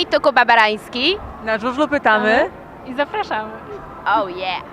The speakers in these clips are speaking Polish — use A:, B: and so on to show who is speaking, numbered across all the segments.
A: Hej, to Kuba Barański.
B: Na żużlu pytamy.
C: I zapraszamy.
A: Oh yeah.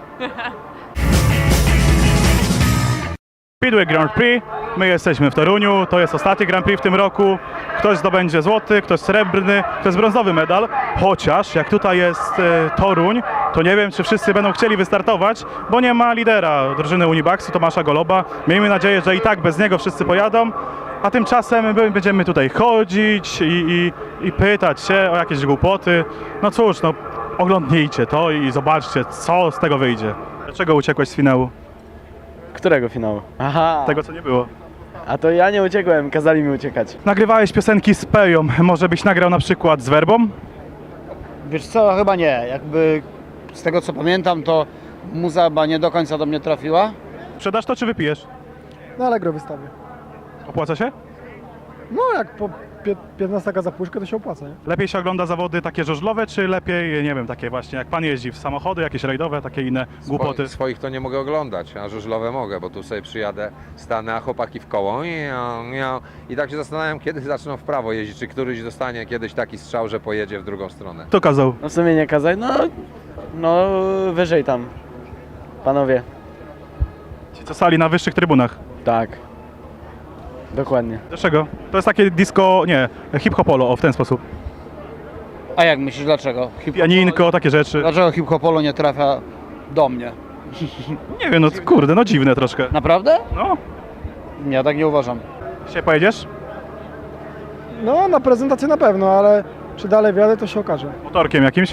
D: Speedway Grand Prix, my jesteśmy w Toruniu, to jest ostatni Grand Prix w tym roku. Ktoś zdobędzie złoty, ktoś srebrny, ktoś brązowy medal. Chociaż jak tutaj jest Toruń, to nie wiem, czy wszyscy będą chcieli wystartować, bo nie ma lidera drużyny Unibaxu, Tomasza Goloba. Miejmy nadzieję, że i tak bez niego wszyscy pojadą, a tymczasem my będziemy tutaj chodzić i pytać się o jakieś głupoty. No cóż, no oglądnijcie to i zobaczcie, co z tego wyjdzie. Dlaczego uciekłeś z finału?
E: Którego finału? Aha,
D: Tego, co nie było.
E: a to ja nie uciekłem, kazali mi uciekać.
D: Nagrywałeś piosenki z Peją, może byś nagrał na przykład z Werbą?
F: Wiesz co, chyba nie. Jakby z tego co pamiętam, to muza chyba nie do końca do mnie trafiła.
D: Sprzedasz to czy wypijesz?
G: Na Allegro wystawię.
D: Opłaca się?
G: No jak po 15 za puszkę to się opłaca, nie?
D: Lepiej się ogląda zawody takie żużlowe, czy lepiej, nie wiem, takie właśnie jak pan jeździ w samochody, jakieś rajdowe, takie inne głupoty?
H: Swoich to nie mogę oglądać, a żużlowe mogę, bo tu sobie przyjadę, stanę, a chłopaki w koło i tak się zastanawiam, kiedy zaczną w prawo jeździć, czy któryś dostanie kiedyś taki strzał, że pojedzie w drugą stronę.
D: Kto kazał?
E: No w sumie nie kazali, no wyżej tam, panowie.
D: Ci co stali na wyższych trybunach.
E: Tak, dokładnie.
D: Dlaczego? To jest takie disco, nie, hip-hopolo, o w ten sposób.
F: A jak myślisz, dlaczego?
D: Pianinko, takie rzeczy.
F: Dlaczego hip-hopolo nie trafia do mnie?
D: Nie wiem, no kurde, no dziwne troszkę.
F: Naprawdę?
D: No,
F: Ja tak nie uważam.
D: dzisiaj pojedziesz?
G: No na prezentację na pewno, ale czy dalej wjadę to się okaże.
D: Motorkiem jakimś?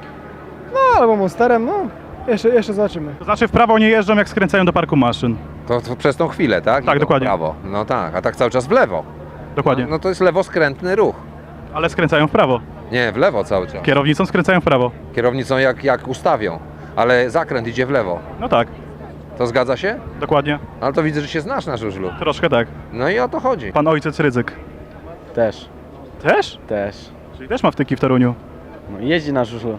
G: No albo monsterem, no jeszcze zobaczymy.
D: To znaczy w prawo nie jeżdżą, jak skręcają do parku maszyn.
H: To przez tą chwilę, tak?
D: Tak,
H: I to
D: dokładnie.
H: w prawo. No tak, a tak cały czas w lewo.
D: Dokładnie.
H: No to jest lewoskrętny ruch.
D: Ale skręcają w prawo.
H: Nie, w lewo cały czas.
D: Kierownicą skręcają w prawo.
H: Kierownicą jak ustawią, ale zakręt idzie w lewo.
D: No tak,
H: To zgadza się?
D: dokładnie.
H: Ale to widzę, że się znasz na żużlu.
D: Troszkę tak.
H: No i o to chodzi.
D: Pan ojciec Rydzyk.
E: Też,
D: Też?
E: też.
D: Czyli też ma wtyki w Toruniu.
E: No jeździ na żużlu.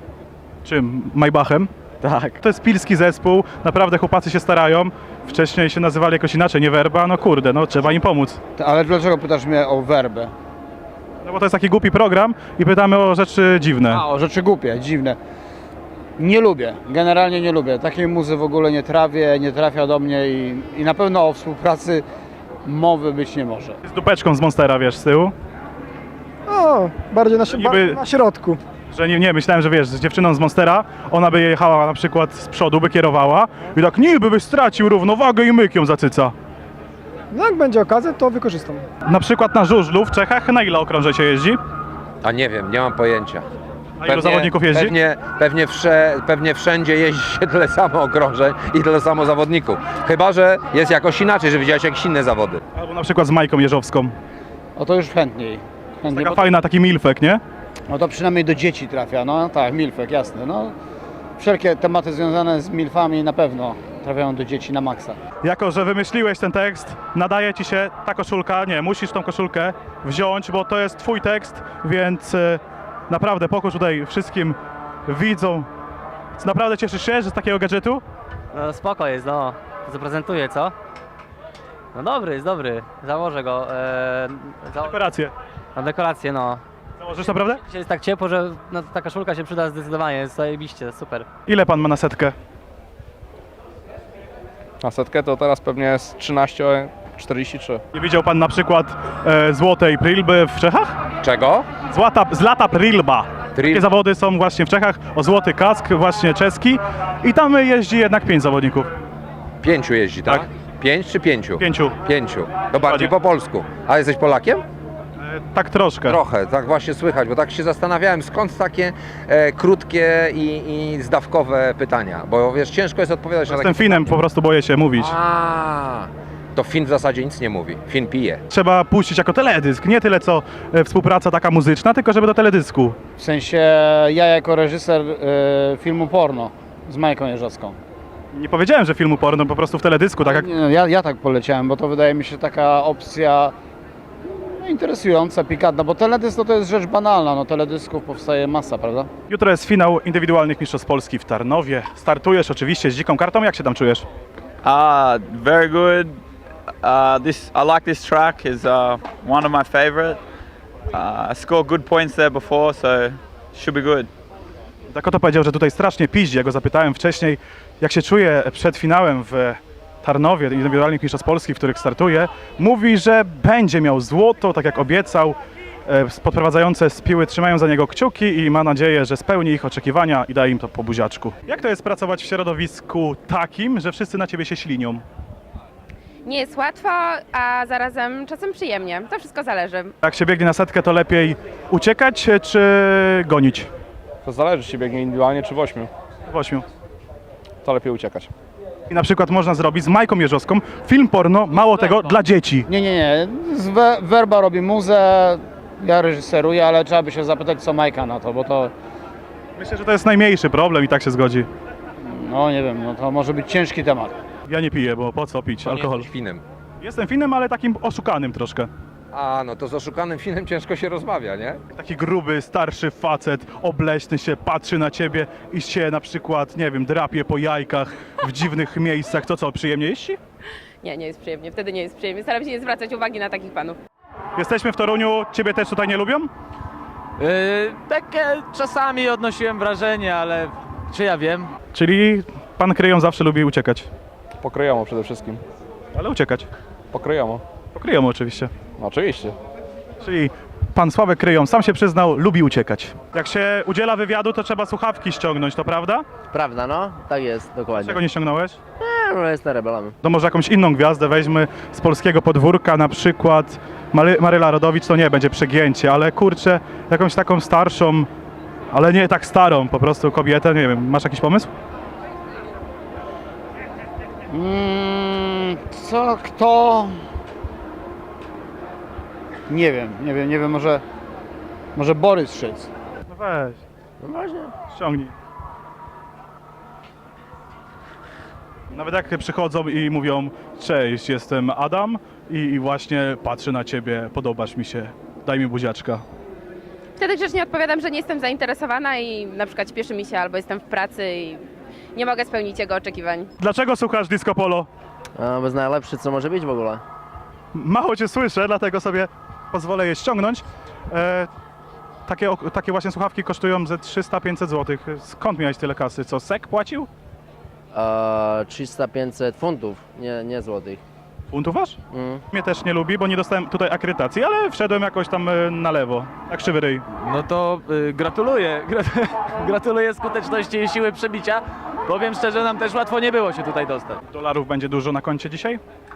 D: Czym? Maybachem?
E: Tak.
D: To jest pilski zespół, naprawdę chłopacy się starają. Wcześniej się nazywali jakoś inaczej, nie Werba, no kurde, no trzeba im pomóc.
F: Ale dlaczego pytasz mnie o werbę?
D: No bo to jest taki głupi program i pytamy o rzeczy dziwne.
F: A, o rzeczy głupie, dziwne. Nie lubię, generalnie nie lubię. Takiej muzy w ogóle nie trawię, nie trafia do mnie i na pewno o współpracy mowy być nie może.
D: Z dupeczką z Monstera, wiesz, z tyłu.
G: No, bardziej
D: Niby-
G: na środku.
D: Że nie, myślałem, że wiesz, z dziewczyną z Monstera, ona by jechała na przykład z przodu, by kierowała i tak niby byś stracił równowagę i myk ją zacyca.
G: No jak będzie okazja, to wykorzystam.
D: Na przykład na żużlu w Czechach na ile okrążeń się jeździ?
H: A nie wiem, nie mam pojęcia.
D: A ilu zawodników jeździ?
H: Pewnie wszędzie jeździ się tyle samo okrążeń i tyle samo zawodników. Chyba że jest jakoś inaczej, że widziałeś jakieś inne zawody.
D: Albo na przykład z Majką Jeżowską.
F: O to już chętniej.
D: Taka
F: Bo,
D: fajna, taki milfek, nie?
F: no to przynajmniej do dzieci trafia, no tak, milfek, jasne. No, wszelkie tematy związane z milfami na pewno trafiają do dzieci na maksa.
D: Jako, że wymyśliłeś ten tekst, nadaje ci się ta koszulka, nie, musisz tą koszulkę wziąć, bo to jest twój tekst, więc naprawdę pokój tutaj wszystkim widzom. Naprawdę cieszysz się, że z takiego gadżetu?
I: No spoko jest, no. Zaprezentuję, co? No dobry, jest dobry. Założę go.
D: Dekoracje.
I: Na dekorację, no.
D: Założysz naprawdę?
I: Dzisiaj jest tak ciepło, że no, ta koszulka się przyda zdecydowanie. Jest zajebiście, super.
D: Ile pan ma na setkę?
J: Na setkę to teraz pewnie jest 13,43.
D: Nie widział pan na przykład złotej prilby w Czechach?
H: Czego?
D: Zlata prilba. Takie
H: Pril-
D: zawody są właśnie w Czechach, o złoty kask właśnie czeski i tam jeździ jednak 5 zawodników.
H: 5 jeździ, tak?
D: Tak.
H: 5 czy 5?
D: 5.
H: 5. To bardziej po polsku. A jesteś Polakiem?
D: Tak troszkę.
H: Trochę, tak właśnie słychać, bo tak się zastanawiałem, skąd takie krótkie i zdawkowe pytania. Bo wiesz, ciężko jest odpowiadać na
D: Jestem
H: takie
D: Finem, po prostu boję się mówić.
H: To Fin w zasadzie nic nie mówi. Fin pije.
D: Trzeba puścić jako teledysk, nie tyle co współpraca taka muzyczna, tylko żeby do teledysku.
F: W sensie ja jako reżyser filmu porno z Majką Jeżowską.
D: Nie powiedziałem, że filmu porno, po prostu w teledysku, tak jak...
F: Nie, no, ja tak poleciałem, bo to wydaje mi się taka opcja no, interesująca, pikantna, bo teledysk to jest rzecz banalna, no teledysków powstaje masa, prawda?
D: Jutro jest finał indywidualnych mistrzostw Polski w Tarnowie. Startujesz oczywiście z dziką kartą, jak się tam czujesz?
K: Very good. I like this track. Is one of my favorite.
B: I scored good points there before, so should be good.
D: Dakota powiedział, że tutaj strasznie piździ. Ja go zapytałem wcześniej, jak się czuje przed finałem w Tarnowie, indywidualnych mistrzostw Polski, w których startuje. Mówi, że będzie miał złoto, tak jak obiecał. Podprowadzające z Piły trzymają za niego kciuki i ma nadzieję, że spełni ich oczekiwania i da im to po buziaczku. Jak to jest pracować w środowisku takim, że wszyscy na ciebie się ślinią?
A: Nie jest łatwo, a zarazem czasem przyjemnie. To wszystko zależy.
D: Jak się biegnie na setkę, to lepiej uciekać czy gonić?
J: To zależy, czy biegnie indywidualnie, czy w 8.
D: W 8.
J: To lepiej uciekać.
D: I na przykład można zrobić z Majką Jeżowską film porno, mało tego, dla dzieci.
F: Nie. Werba robi muzę, ja reżyseruję, ale trzeba by się zapytać, co Majka na to, bo to,
D: Myślę, że to jest najmniejszy problem i tak się zgodzi.
F: no nie wiem, no to może być ciężki temat.
D: Ja nie piję, bo po co pić alkohol?
H: Jesteś Finem.
D: Jestem Finem, ale takim oszukanym troszkę.
H: A, no to z oszukanym Finem ciężko się rozmawia, nie?
D: Taki gruby, starszy facet, obleśny się, patrzy na ciebie i się na przykład, nie wiem, drapie po jajkach w dziwnych miejscach. To co, przyjemnie jeździ?
A: Nie jest przyjemnie. Wtedy nie jest przyjemnie. Staram się nie zwracać uwagi na takich panów.
D: Jesteśmy w Toruniu, ciebie też tutaj nie lubią?
E: Takie czasami odnosiłem wrażenie, ale czy ja wiem?
D: Czyli pan Kryją zawsze lubi uciekać.
J: Pokryjomo przede wszystkim.
D: Ale uciekać.
J: Pokryjomo.
D: Pokryją oczywiście.
J: No, oczywiście.
D: Czyli pan Sławek Kryją sam się przyznał, lubi uciekać. Jak się udziela wywiadu, to trzeba słuchawki ściągnąć, to prawda?
I: Prawda, no? Tak jest, dokładnie.
D: Czego nie ściągnąłeś?
I: No, jestem rebelem.
D: To może jakąś inną gwiazdę weźmy z polskiego podwórka, na przykład Maryla Rodowicz, to nie będzie przegięcie, ale kurczę, jakąś taką starszą, ale nie tak starą, po prostu kobietę, nie wiem, masz jakiś pomysł?
F: Kto? Nie wiem, może Borys Szyc.
D: No weź,
I: No właśnie.
D: ściągnij. Nawet jak przychodzą i mówią, cześć, jestem Adam i właśnie patrzę na ciebie, podobasz mi się, daj mi buziaczka.
A: Wtedy grzecznie odpowiadam, że nie jestem zainteresowana i na przykład śpieszy mi się albo jestem w pracy i nie mogę spełnić jego oczekiwań.
D: Dlaczego słuchasz Disco Polo?
I: A, bo jest najlepszy, co może być w ogóle.
D: Mało cię słyszę, dlatego sobie pozwolę je ściągnąć. Takie właśnie słuchawki kosztują ze 300-500 zł. Skąd miałeś tyle kasy? Co, SEK płacił?
I: 300-500 funtów, nie złotych.
D: Funtów aż? Mnie też nie lubi, bo nie dostałem tutaj akredytacji, ale wszedłem jakoś tam na lewo. Jak krzywy ryj.
E: No to gratuluję. Gratuluję skuteczności i siły przebicia. Powiem szczerze, nam też łatwo nie było się tutaj dostać.
D: Dolarów będzie dużo na koncie dzisiaj?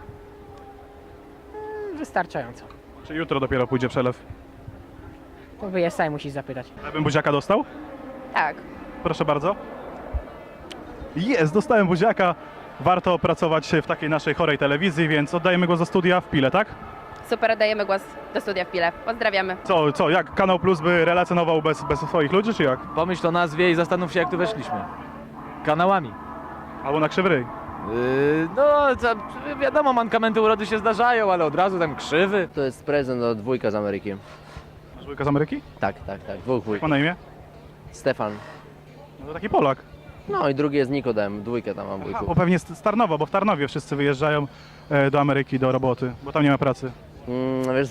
C: Wystarczająco.
D: Czy jutro dopiero pójdzie przelew?
C: To wyjeżdżaj, musisz zapytać.
D: Ja bym buziaka dostał?
A: Tak.
D: Proszę bardzo. Jest, dostałem buziaka. Warto pracować w takiej naszej chorej telewizji, więc oddajemy go do studia w Pile, tak?
A: Super, dajemy głos do studia w Pile. Pozdrawiamy.
D: Co, jak Kanał Plus by relacjonował bez swoich ludzi, czy jak?
E: Pomyśl o nazwie i zastanów się, jak tu weszliśmy. Kanałami.
D: Albo na krzywy ryj.
E: No, wiadomo, mankamenty urody się zdarzają, ale od razu tam krzywy.
I: To jest prezent od wujka z Ameryki.
D: Wujka z Ameryki?
I: Tak, dwóch
D: Ma
I: wujków.
D: na imię?
I: Stefan.
D: No to taki Polak.
I: No i drugi jest Nikodem, dwójkę tam mam
D: Bo
I: wujków.
D: pewnie z Tarnowa, bo w Tarnowie wszyscy wyjeżdżają do Ameryki do roboty, bo tam nie ma pracy.
I: Wiesz,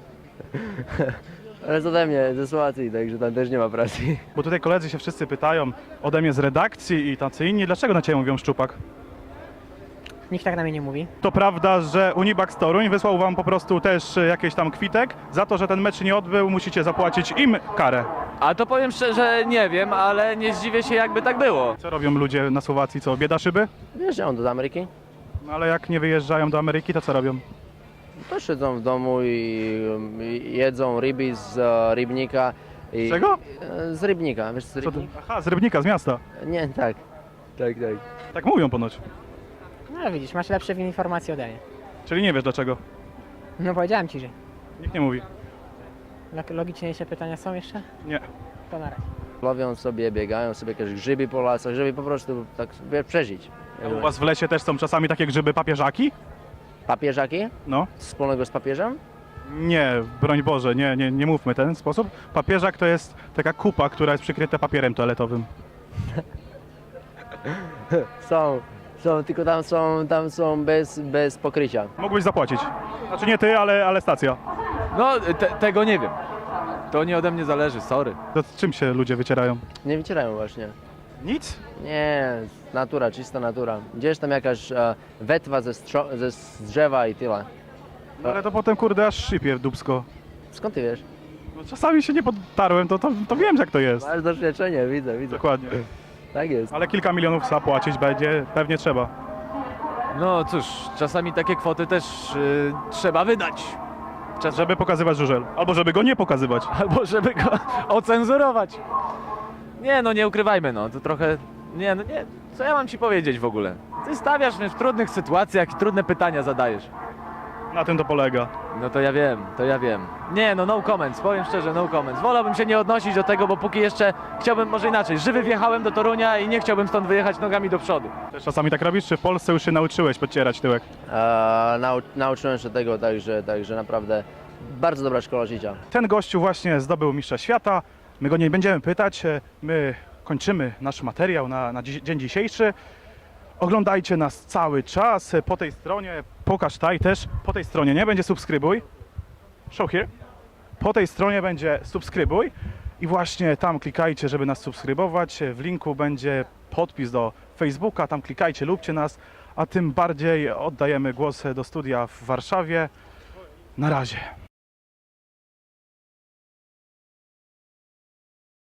I: ale jest ode mnie, ze Słowacji, także tam też nie ma pracy.
D: Bo tutaj koledzy się wszyscy pytają ode mnie z redakcji i tacy inni, dlaczego na ciebie mówią szczupak?
C: Nikt tak na mnie nie mówi.
D: To prawda, że Unibax Toruń wysłał wam po prostu też jakiś tam kwitek za to, że ten mecz nie odbył, musicie zapłacić im karę.
E: A to powiem szczerze, nie wiem, ale nie zdziwię się, jakby tak było.
D: Co robią ludzie na Słowacji, co, bieda szyby?
I: Wyjeżdżają do Ameryki,
D: No ale jak nie wyjeżdżają do Ameryki, to co robią?
I: to siedzą w domu i jedzą ryby z rybnika.
D: Z czego?
I: Z rybnika, wiesz z
D: Co to?
I: rybnika?
D: Aha, z Rybnika, z miasta.
I: Nie, tak.
D: Tak mówią ponoć.
C: No widzisz, masz lepsze informacje ode mnie.
D: Czyli nie wiesz dlaczego.
C: No powiedziałem ci, że
D: Nikt nie mówi.
C: logiczniejsze pytania są jeszcze?
D: Nie.
C: To na razie.
I: Lowią sobie, biegają sobie jakieś grzyby po lasach, żeby po prostu tak przeżyć.
D: A u was w lesie też są czasami takie grzyby papieżaki?
I: Papieżaki?
D: No.
I: Wspólnego z papieżem?
D: Nie, broń Boże, nie mówmy w ten sposób. Papieżak to jest taka kupa, która jest przykryta papierem toaletowym.
I: Są, tylko tam są bez pokrycia.
D: Mógłbyś zapłacić. Znaczy nie ty, ale stacja.
E: No, tego nie wiem. To nie ode mnie zależy, sorry.
D: To czym się ludzie wycierają?
K: Nie wycierają właśnie.
D: Nic?
K: Nie, natura, czysta natura. Gdzieś tam jakaś wetwa z drzewa i tyle.
D: No ale to potem kurde aż szczypie w dupsko.
K: Skąd ty wiesz?
D: No, czasami się nie podtarłem, to wiem jak to jest.
K: Masz doświadczenie, widzę.
D: Dokładnie.
K: Tak jest.
D: Ale kilka milionów zapłacić będzie, pewnie trzeba.
E: No cóż, czasami takie kwoty też trzeba wydać.
D: Żeby pokazywać żużel. Albo żeby go nie pokazywać.
E: Albo żeby go ocenzurować. Nie no, nie ukrywajmy, no to trochę... Nie, no nie, co ja mam ci powiedzieć w ogóle? Ty stawiasz mnie w trudnych sytuacjach i trudne pytania zadajesz.
D: Na tym to polega.
E: No to ja wiem. Nie no, no comments, powiem szczerze, no comments. Wolałbym się nie odnosić do tego, bo póki jeszcze chciałbym, może inaczej, żywy wjechałem do Torunia i nie chciałbym stąd wyjechać nogami do przodu.
D: Też czasami tak robisz, czy w Polsce już się nauczyłeś podcierać tyłek?
K: Nauczyłem się tego, także naprawdę bardzo dobra szkoła życia.
D: Ten gościu właśnie zdobył mistrza świata. My go nie będziemy pytać. My kończymy nasz materiał na dzień dzisiejszy. Oglądajcie nas cały czas. Po tej stronie, pokaż taj też. Po tej stronie nie będzie subskrybuj. Show here. Po tej stronie będzie subskrybuj. I właśnie tam klikajcie, żeby nas subskrybować. W linku będzie podpis do Facebooka. Tam klikajcie, lubcie nas. A tym bardziej oddajemy głos do studia w Warszawie. Na razie.